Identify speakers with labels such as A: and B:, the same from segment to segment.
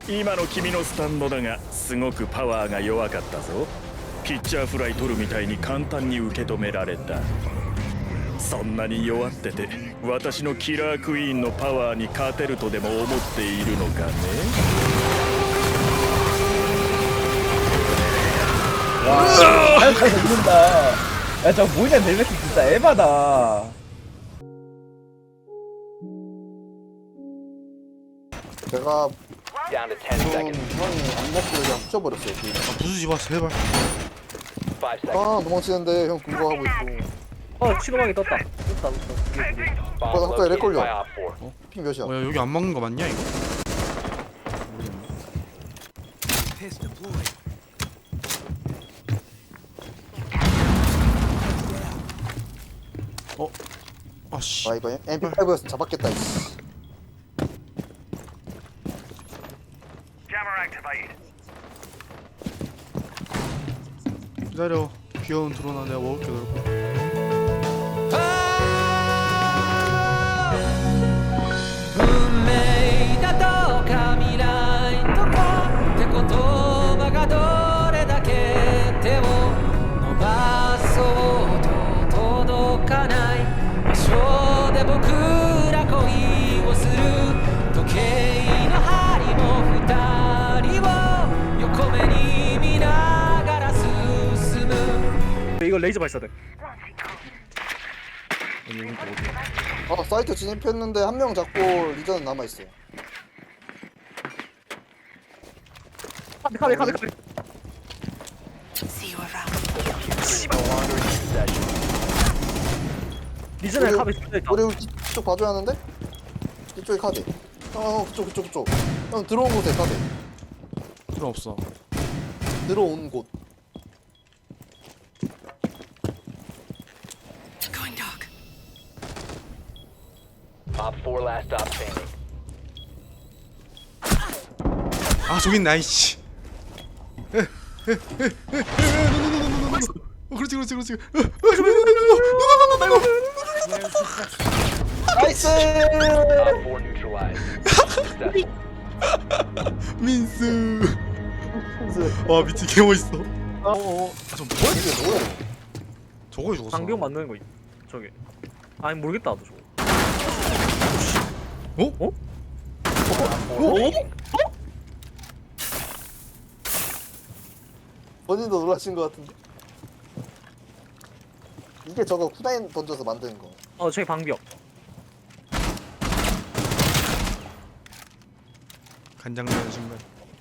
A: 今の君のスタンドだがすごくパワーが弱かったぞ。ピッチャーフライ取るみたいに簡単に受け止められた。そんなに弱ってて私のキラークイーンのパワーに勝てるとでも思っているのかね。
B: 와, 잘 잡는다. 야, 저 모이자 벨벳 진짜 에바다.
C: 제가
D: Down to 10
C: 형이
D: seconds.
C: 안 먹고 그냥 훔쳐버렸어요. 뒤에.
E: 부수지 마 제발.
D: 5 seconds.
C: 아 도망치는데 형 그거 하고 있고.
B: 신호방이 떴다. 떴다.
D: Bomb
C: 아까
D: located
C: 렉걸려.
D: by Op 4.
C: 핑 몇이야?
E: 야 여기 안 막는 거 맞냐 이거? 어? 아씨.
C: 아 이거 MP5였으면 잡았겠다. 이씨.
E: 기다려. 귀여운 드론아 내가 먹을게 널.
F: 運命だとか未来とかって言葉がどれだけ手を伸ばそうと届かない場所で僕ら恋をする時計の針も二人を横目に見ながら進む
B: 이거 레이저 발사대.
C: 아 사이트 진입했는데 한 명 잡고 리전은 남아 있어요.
B: 카비. 리전에
C: 우리-
B: 카비 있다.
C: 우리 이쪽 봐줘야 하는데? 이쪽에 카드. 그쪽. 형 들어온 곳에 카드.
E: 필요 없어.
C: 들어온 곳.
D: Op 4 last stop standing.
E: 아 저기 있네 아이씨. 그렇지.
C: 나이스!
D: Op 4 neutralized. Successful.
E: 민수. 와 미친 개 멋있어. 저
C: 이게 뭐야?
E: 저거에 죽었어.
B: 방병 만드는 거 있. 저기. 아니 모르겠다 나도 저거.
E: 어?
C: 본인도 놀라신 것 같은데. 이게 저거 쿠다인 던져서 만드는 거.
B: 저기 방벽.
E: 간장나는 순간.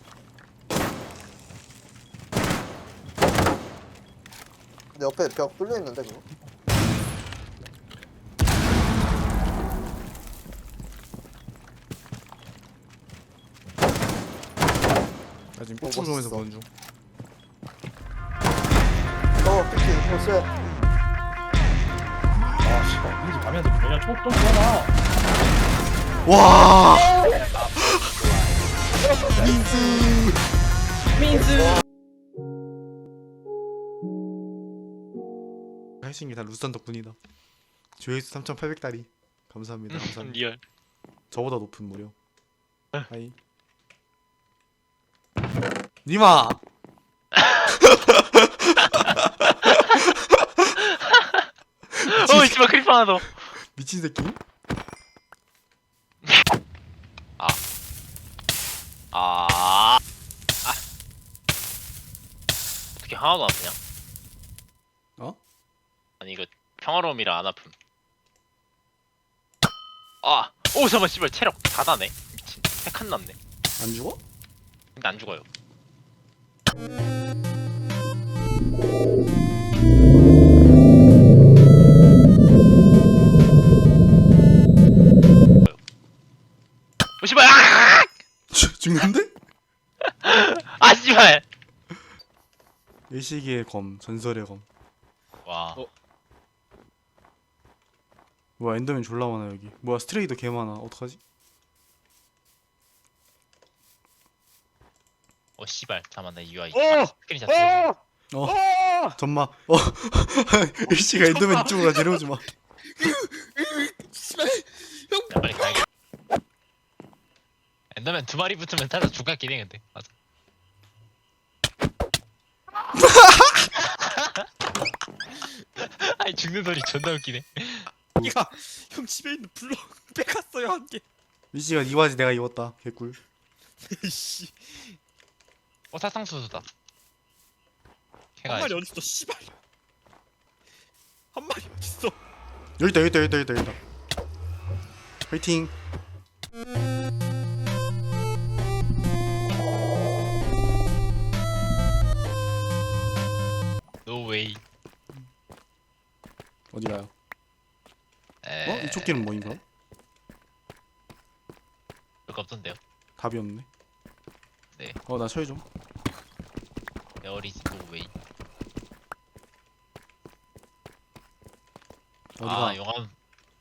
C: 근데 옆에 벽 뚫려 있는데 그거.
E: 나 지금 폭풍점에서
C: 멋있어.
E: 보는 중.
C: 피키 쎄.
B: 아 씨발. 이제 가면서 그냥 좀 좋아라.
E: 와.
B: 민수.
E: 하신 게 다 루스탄 덕분이다. 조회수 3,800달이. 감사합니다. 감사합니다.
G: 리얼.
E: 저보다 높은 무료. 하이. 니마.
G: 씨발 크리퍼 하나 더.
E: 미친 새끼.
G: 어떻게 하나도 안 아프냐?
E: 어?
G: 아니 이거 평화로움이라 안 아픔. 오 잠깐만 씨발 체력 다 나네. 미친. 핵한 났네.
E: 안 죽어?
G: 근데 안 죽어요. 오 씨발.
E: 죽는데?
G: 아 씨발.
E: 일시기의 검, 전설의 검.
G: 와.
E: 뭐야 엔더맨 졸라 많아 여기. 뭐야 스트레이도 개 많아. 어떡하지?
G: 씨발 잠깐만 나 UI
B: 어!
G: 스크린 샷
E: 전마. 일시가 엔더맨 이쪽으로 데려오지 마.
G: 빨리 가야겠다. 엔더맨 두 마리 붙으면 살짝 죽겠긴 해 근데. 맞아. 아니 죽는 소리 존나 웃기네.
A: 야, 형 집에 있는 블럭 뺏갔어요 한 개.
E: 미씨가 니 바지 내가 입었다. 개꿀.
A: 씨,
G: 사상수수다. 걔가
A: 한 마리 어딨어? 씨발. 한 마리 어딨어?
E: 여기 있다, 여기 있다, 여기 있다, 여기 있다, 여기 있다. 화이팅.
G: 노웨이.
E: 어디 가요? 이쪽 길은 뭐인가?
G: 별거 없던데요.
E: 답이 없네.
G: 네.
E: 나 처리 좀.
G: 에어리지 노웨이.
E: 어디가?
G: 용암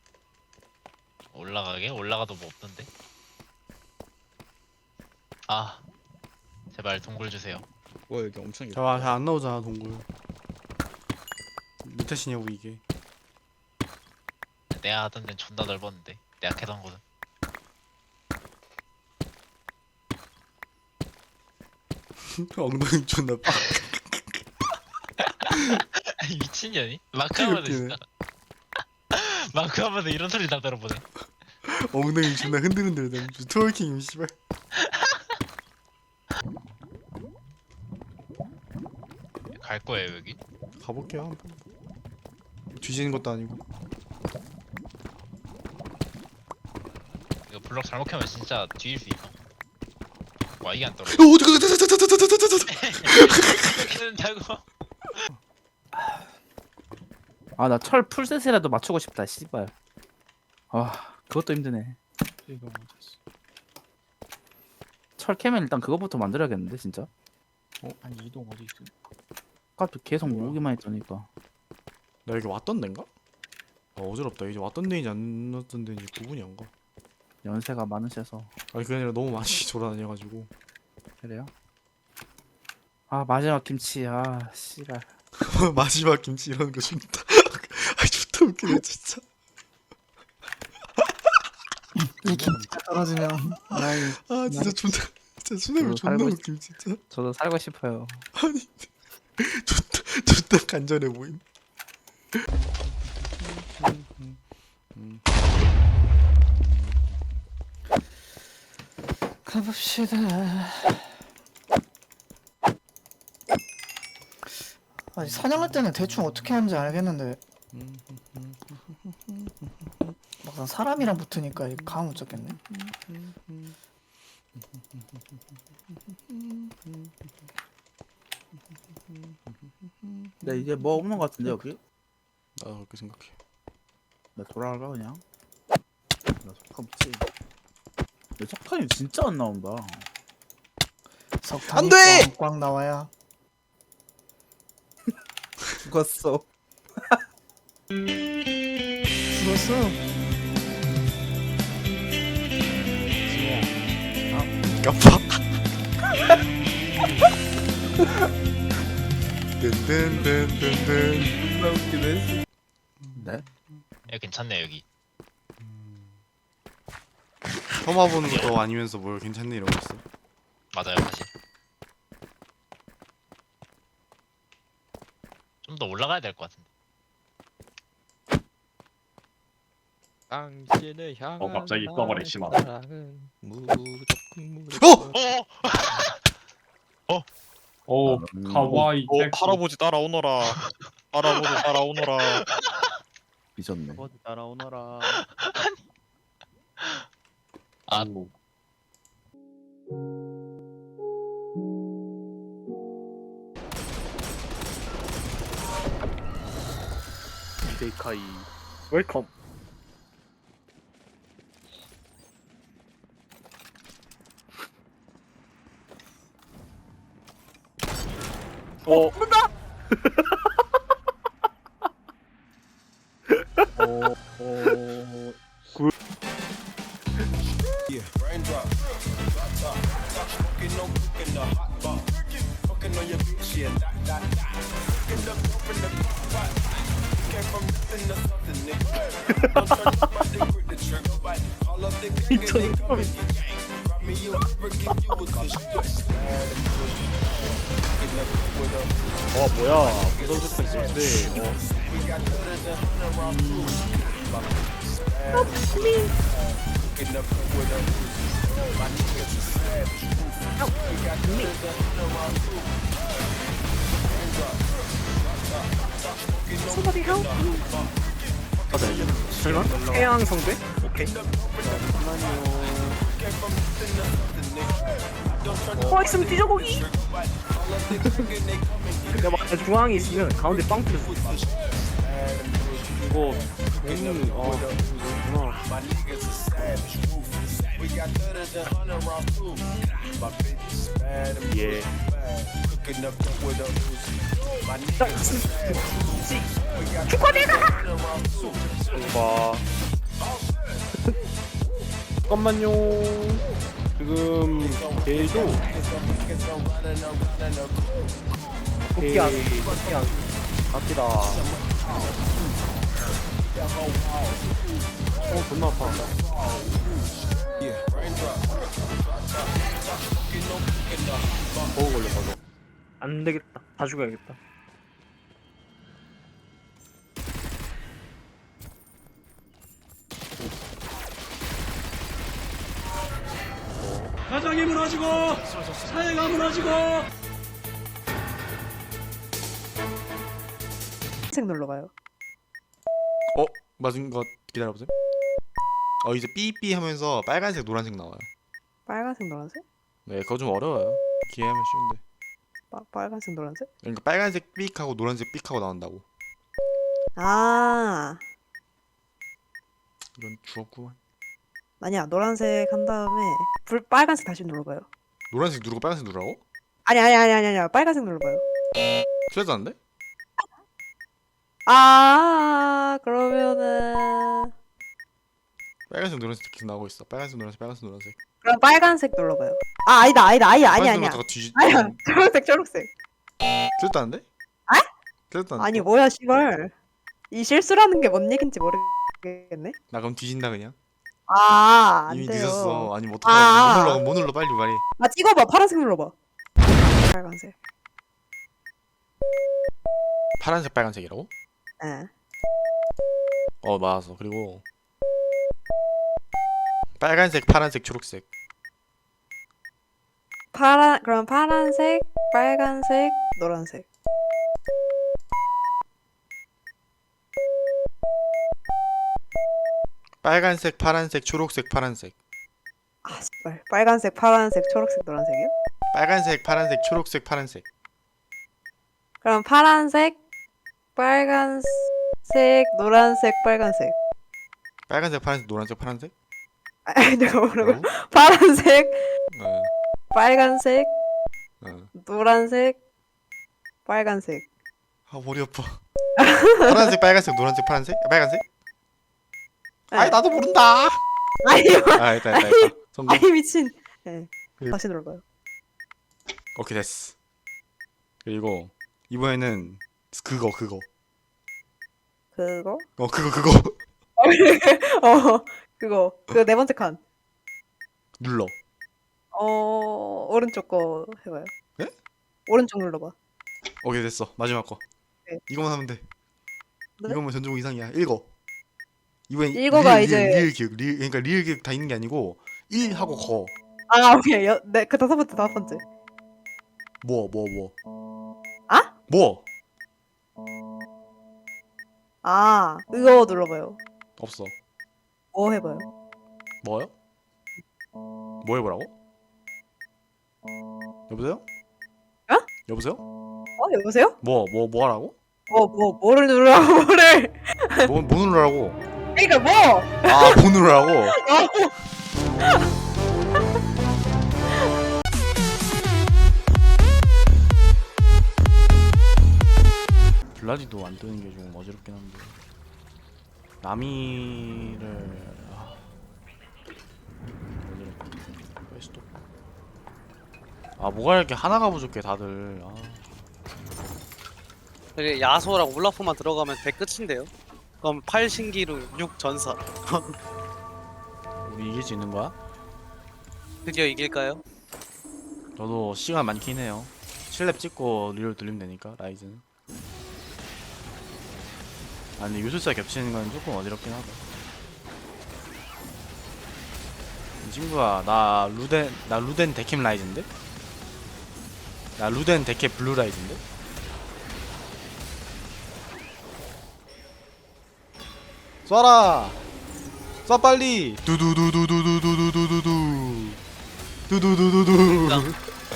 G: 올라가게? 올라가도 뭐 없던데. 제발 동굴 주세요.
A: 와 여기 엄청
E: 자, 잘 안 나오잖아 동굴. 몇 탓이냐고 이게.
G: 내가 하던 데는 존나 넓었는데 내가 캐던 곳은.
E: 엉덩이 존나 빡.
G: 미친년이? 마크 하면서
E: 웃기네.
G: 진짜 마크 하면서 이런 소리 다 들어보네.
E: 엉덩이 존나 흔들흔들. 트월킹 씨발.
G: 갈 거예요 여기?
E: 가볼게요. 뒤지는 것도 아니고.
G: 이거 블럭 잘못 켜면 진짜 뒤일 수 있어. 와 이게 안 떨어져.
E: 어디 가?
G: 이렇게 된다고?
B: 아 나 철 풀셋이라도 맞추고 싶다 씨발. 아 그것도 힘드네. 철 캐면 일단 그거부터 만들어야겠는데 진짜.
A: 아니 이동 어디 있어?
B: 아까 계속 모으기만 했더니까.
E: 나 여기 왔던 데인가? 어지럽다. 이제 왔던 데인지 안 왔던 데인지 구분이 안 가.
B: 연세가 많으셔서.
E: 아니 그게 아니라 너무 많이 돌아다녀가지고.
B: 그래요? 아 마지막 김치 씨발.
E: 마지막 김치 이러는 거 좋다. 아 좋다 웃기네 진짜.
B: 이 김치가 떨어지면
E: 아 진짜 존나
B: 저도
E: 존나
B: 살고
E: 웃김 진짜.
B: 저도 살고 싶어요.
E: 아니 존나 간절해 보임.
B: 가봅시다.
H: 아니 사냥할 때는 대충 어떻게 하는지 알겠는데 막상 사람이랑 붙으니까 이거 감 못 잡겠네.
B: 근데 이제 뭐 없는 것 같은데 여기?
E: 나도 그렇게 생각해.
B: 나 돌아갈까 그냥? 나 석탄 없지. 근데 석탄이 진짜 안 나온다.
H: 석탄이
E: 안 돼!
H: 꽝꽝 나와야
B: 죽었어.
H: 죽었어.
E: 까파. 든든든든든.
B: 존나 웃기네. 네?
G: 야 괜찮네 여기.
E: 처음 와보는 것도 아니면서 뭘 괜찮네 이러고 있어.
G: 맞아요 사실. 좀 더 올라가야 될 것 같은데.
I: 당신을 향한
A: 갑자기 떠버려, 씨발.
I: 사랑은 무조건
B: 오
A: 카와이. 할아버지 따라오너라. 할아버지 따라오너라.
B: 미쳤네.
I: 어디 따라오너라.
B: 데이카이.
A: 웰컴.
B: 뭐야 부서졌다 있었는데
I: 태양 성대? 오케이. 있으면 뒤져보기. 내가 막 중앙에 있으면 가운데 빵 뚫렸어. 이거 괜히 이거구나.
B: 예 봐.
I: 잠깐만요. 지금 걔도 복귀한 갑시다. 존나 아파. 버그 걸려 버그. 안 되겠다. 다 죽어야겠다.
F: 가장이 무너지고 사회가 무너지고.
H: 색 눌러봐요.
E: 맞은 것 기다려보세요. 이제 삐삐 하면서 빨간색 노란색 나와요.
H: 빨간색 노란색?
E: 네, 그거 좀 어려워요. 기회하면 쉬운데.
H: 빨간색 노란색?
E: 그러니까 빨간색 삑하고 노란색 삑하고 나온다고.
H: 아
E: 이건 주었구만.
H: 아니야 노란색 한 다음에 빨간색 다시 눌러봐요.
E: 노란색 누르고 빨간색 누르라고?
H: 아니야 빨간색 눌러봐요.
E: 틀렸다는데?
H: 그러면은
E: 빨간색 노란색 계속 나오고 있어. 빨간색 노란색.
H: 그럼 빨간색 눌러봐요. 아니다 아니야
E: 빨간색 뒤지.
H: 아니야 초록색
E: 틀렸다는데? 틀렸다는데?
H: 아니 뭐야 씨발 이 실수라는 게 뭔 얘긴지 모르겠네.
E: 나 그럼 뒤진다 그냥.
H: 안
E: 이미
H: 돼요.
E: 늦었어. 아니 뭐 어떡해. 못 눌러 빨리 말해.
H: 찍어봐. 파란색 눌러봐. 빨간색.
E: 파란색 빨간색이라고?
H: 예.
E: 맞았어. 그리고 빨간색 파란색 초록색.
H: 그럼 파란색, 빨간색, 노란색.
E: 빨간색 파란색 초록색 파란색.
H: 씨발. 빨간색, 파란색, 초록색, 노란색이요?
E: 빨간색 파란색 초록색 파란색.
H: 그럼 파란색, 빨간색, 노란색, 빨간색.
E: 빨간색 파란색 노란색 파란색?
H: 내가 모르고.
E: 어?
H: 파란색,
E: 어.
H: 빨간색,
E: 어.
H: 노란색, 빨간색.
E: 머리 아파. 파란색 빨간색 노란색 파란색? 빨간색? 나도 모른다. 됐다. 성공.
H: 아니 미친. 네. 다시 눌러봐요.
E: 오케이 됐어. 그리고 이번에는 그거.
H: 그거? 그거. 그 네 번째 칸.
E: 눌러.
H: 오른쪽 거 해봐요.
E: 예?
H: 오른쪽 눌러봐.
E: 오케이 됐어. 마지막 거.
H: 네.
E: 이거만 하면 돼.
H: 네?
E: 이거면 전종 이상이야. 읽어. 이번엔
H: 읽어가
E: 리을 기억. 그러니까 리을 기억 다 있는 게 아니고 1 하고 거.
H: 오케이. 네, 그 다섯 번째.
E: 뭐.
H: 아?
E: 뭐?
H: 이거 눌러봐요.
E: 없어.
H: 뭐 해봐요.
E: 뭐요? 뭐 해보라고? 여보세요? 여보세요?
H: 여보세요?
E: 뭐 하라고?
H: 뭐를 누르라고, 뭐를.
E: 뭐 누르라고?
H: 그니까 뭐!
E: 뭐 누르라고? 블라디도 안 뜨는 게 좀 어지럽긴 한데 나미를 퀘스트 뭐가 이렇게 하나가 부족해 다들.
J: 그래 야소랑 올라프만 들어가면 배 끝인데요. 그럼 8신기루 6전사.
E: 우리 이길 수 있는 거야?
J: 드디어 이길까요?
E: 저도 시간 많긴 해요. 7렙 찍고 리롤 돌리면 되니까 라이즈는. 아 근데 요술사 겹치는 건 조금 어지럽긴 하다. 이 친구야 나 루덴 데캡 라이즈인데? 나 루덴 데캡 블루 라이즈인데? 쏴라! 쏴 빨리! 두두두두두두두두두두 두두두두두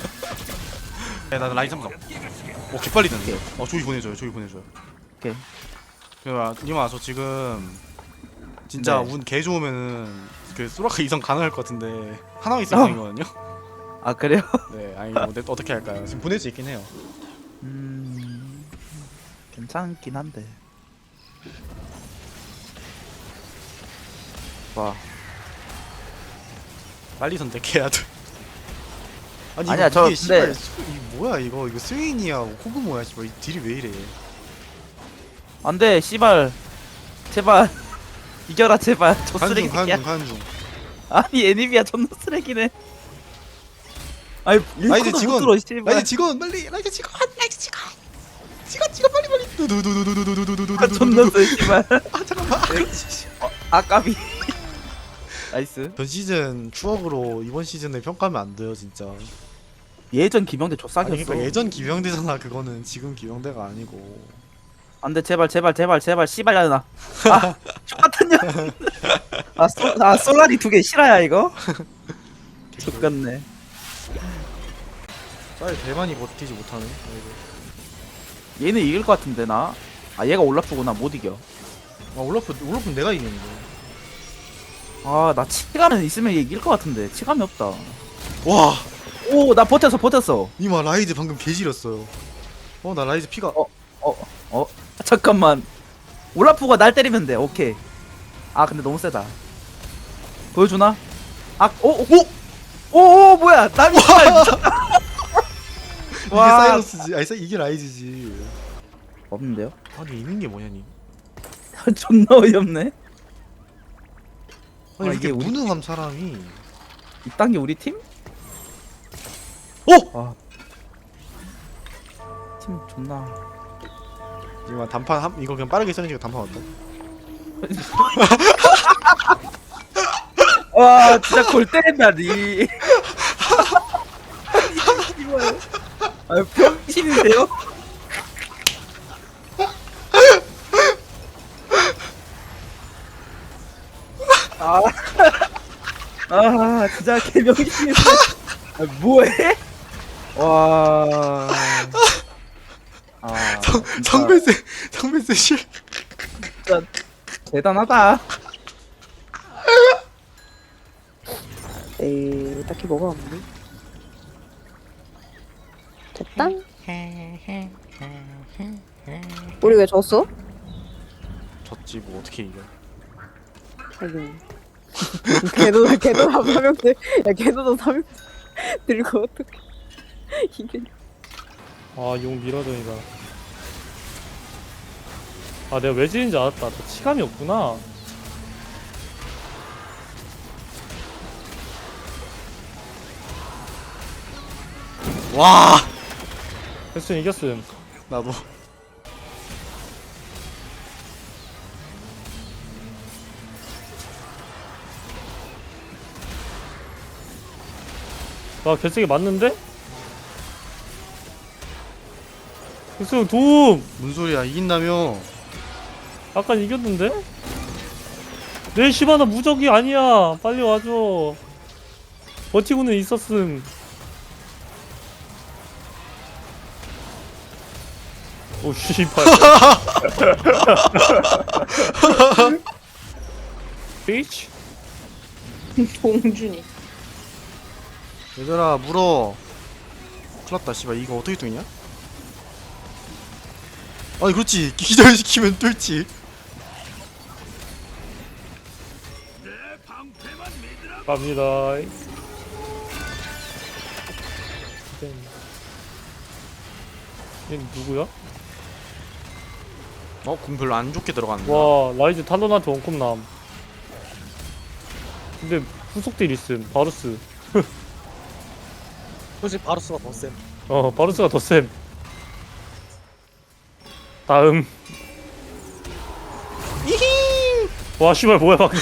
E: 나 라이즈 삼성. 오 개빨리 되는데? 조이 보내줘요. 조이 보내줘요.
B: 오케이.
E: 님아 저 지금 진짜
B: 네.
E: 운 개 좋으면은 그 소라카 이성 가능할 것 같은데 하나 있을 거거든요.
B: 아 그래요?
E: 네 아니 뭐 어떻게 할까요? 지금 보낼 수 있긴 해요.
B: 괜찮긴 한데. 와.
E: 빨리 선택해야 돼. 아니
B: 아니야,
E: 이거
B: 저
E: 이게 씨발
B: 근데-
E: 이 뭐야 이거 스웨인이야 호그모야 씨발 이 딜이 왜 이래?
B: 안돼 씨발. 제발. 이겨라 제발. 저
E: 가는 중
B: 쓰레기야.
E: 가는 중.
B: 아니 애니비야 존나 쓰레기네. 아니
E: 라이즈
B: 일코도
E: 직원
B: 못 들어, 씨발.
E: 라이즈 직원 빨리 라이즈 직원 직원 빨리 두두두두두두두두두두두
B: 아, 존나 쎄 씨발.
E: 아 잠깐만 그렇지.
B: 아까비. 나이스.
E: 전 시즌 추억으로 이번 시즌에 평가하면 안 돼요 진짜.
B: 예전 김영대
E: 아니
B: 족삭이었어.
E: 그러니까 예전 기병대잖아 그거는 지금 기병대가 아니고.
B: 안돼 제발 씨발야나. 아 똑같은 년. 솔라리 2개 실화야 이거? 죽겠네.
E: 쌀 대만이 버티지 못하네.
B: 얘는 이길 것 같은데 나. 아 얘가 올라프구나 못 이겨.
E: 아 올라프 내가 이겼는데.
B: 아 나 치감은 있으면 얘 이길 것 같은데 치감이 없다.
E: 와
B: 오 나 버텼어.
E: 이마 라이즈 방금 개지렸어요. 나 라이즈 피가
B: 잠깐만. 올라프가 날 때리면 돼. 오케이. 아 근데 너무 세다. 보여주나? 오 뭐야 남이
E: 이게
B: 와.
E: 사이러스지. 아니 이게 라이즈지.
B: 없는데요?
E: 아니 있는 게 뭐냐 니?
B: 존나 어이없네.
E: 아니
B: 아,
E: 이게
B: 이게 우리
E: 무능함 사람이.
B: 이딴 게 우리 팀?
E: 오!
B: 아. 팀 존나.
E: 이거 단판 이거 그냥 빠르게 써니까 단판 어때?
B: 와 진짜 골 때린다 니. 씨발. 아 병신인데요? 아 진짜 개병신인데. 아 뭐해? 와. 아 진짜
E: 성배세 실.
B: 진짜 대단하다.
H: 에이 딱히 뭐가 없네. 됐다. 우리 왜 졌어?
E: 졌지 뭐 어떻게 이겨?
H: 하긴. 걔도 사명들. 야 걔도 사명 들고 어떻게 이게?
I: 아용 밀어줘니까. 아 내가 왜 지는지 알았다. 나 치감이 없구나.
E: 와
I: 헬슨 이겼음.
E: 나도.
I: 와 결승이 맞는데? 헬슨 도움!
E: 뭔 소리야 이긴다며?
I: 아까 이겼는데? 내 시바나 무적이 아니야. 빨리 와줘. 버티고는 있었음. 오 씨발. 비치?
H: 봉준이.
E: 얘들아 물어. 큰일났다 씨발 이거 어떻게 뚫냐? 아니 그렇지 기절시키면 뚫지.
I: 갑니다. 얘 누구야?
E: 공 별로 안 좋게 들어갔는데.
I: 와 라이즈 탈론한테 원컵남. 근데 후속딜 있음 바루스.
J: 솔직히 바루스가 더 쌤.
I: 바루스가 더 쌤. 다음. 와 씨발 뭐야 방금.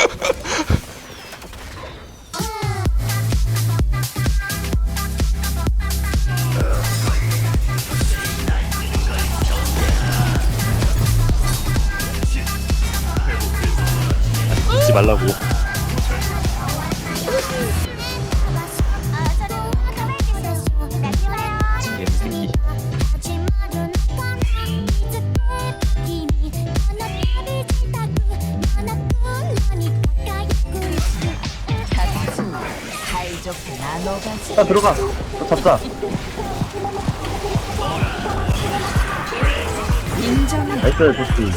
A: 잊지 말라고. 새끼.
B: 자 들어가. 잡자. 나이스 도시.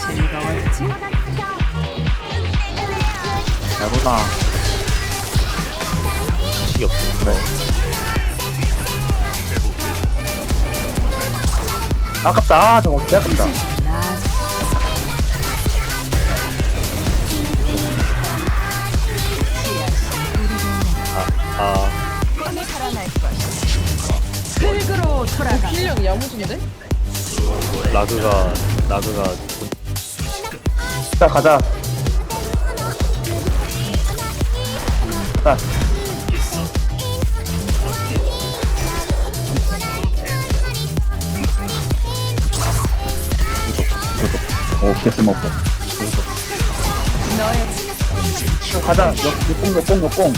B: 야구나.
A: 식이 없어. 그래.
B: 아깝다. 저거 진짜 아깝다.
H: 실력 야무진데?
A: 라그가
B: 자 가자. 자. 오 개스 먹고. 가자. 뽕.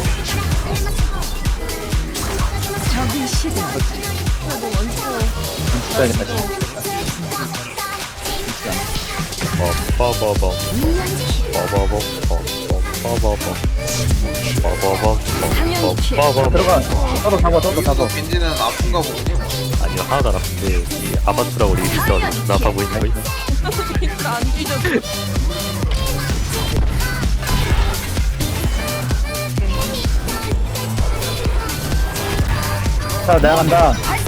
B: 들어가. 떠도 잡아.
C: 겐지는 아픈가 보군요.
A: 아니요 하나도 안 아픈데 이 아바투라고 리뷰 있어가지고 나 아파 보이는 거 있나?
H: 그러니까 안 뒤져도.
B: 자 내가 간다.